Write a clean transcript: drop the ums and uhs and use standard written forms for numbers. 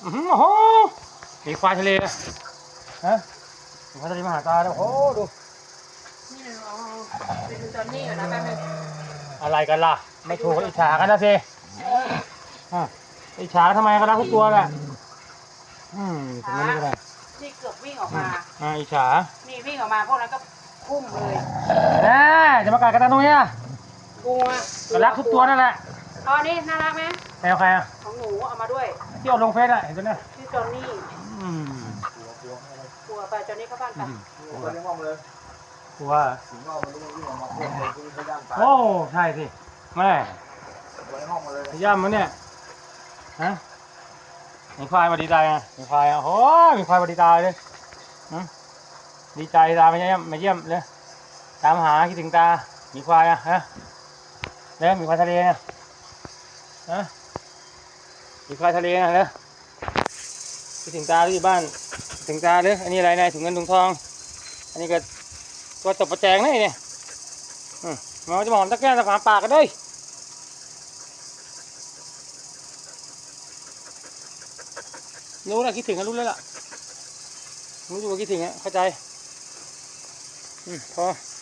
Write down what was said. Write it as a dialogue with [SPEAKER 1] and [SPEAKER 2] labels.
[SPEAKER 1] โอ้โหมีควายทะเลฮะมีควายทะเลมาหาตาแล้วโอ้โหดู
[SPEAKER 2] นี่เราไปดูจอนนี่ก่อนนะแป๊บนึง
[SPEAKER 1] อะไรกันล่ะไม่ถูกอิจฉากันนะสิอิจฉาทำไมกันล่ะทุกตัวแหละถึงนั้นก็ได้
[SPEAKER 2] นี่เกือบวิ่งออกมา
[SPEAKER 1] อิจฉา
[SPEAKER 2] นี่วิ่งออกมาพวกนั้นก็พุ่งเลย
[SPEAKER 1] จะมากัดกันตรงนี้
[SPEAKER 2] กลัว
[SPEAKER 1] รักทุกตัวนั่นแหละ
[SPEAKER 2] อ๋อนี่น่ารักไหม
[SPEAKER 1] แมวใคร
[SPEAKER 2] ของหนูเอามาด้วย
[SPEAKER 1] ที่เอาลงเฟซเห็นตัวนี้
[SPEAKER 2] ชื่อจอนนี่กลัวไปจอนนี่เข้าบ้านกัน
[SPEAKER 3] กลัวเลี้ยงห้องเลย
[SPEAKER 1] กลัว
[SPEAKER 3] ถึงว่ามันวิ่งออกมาเพื่อนเลยที่ย่างตาย
[SPEAKER 1] โอ้ใช่สิแม่
[SPEAKER 3] กลัวเลี้ยงห้องมาเลย
[SPEAKER 1] ย่ำมันเนี่ยฮะมีควายมาดีใจไงมีควายโอ้มีควายมาดีใจเลยดีใจตามาเยี่ยมเลยตามหาคิดถึงตามีควายฮะเนี่ยมีควายทะเลนะฮะมีควายทะเลนะเลยคิดถึงตาที่บ้านถึงตาเลยอันนี้อะไรนายถุงเงินถุงทองอันนี้ก็ตัวตบประแจงนี่เนี่ยมันจะมองตะแกรงตะขวาปากกันด้วยรู้แล้วคิดถึงกันรู้แล้วล่ะรู้อยู่ว่าคิดถึงเข้าใจพอ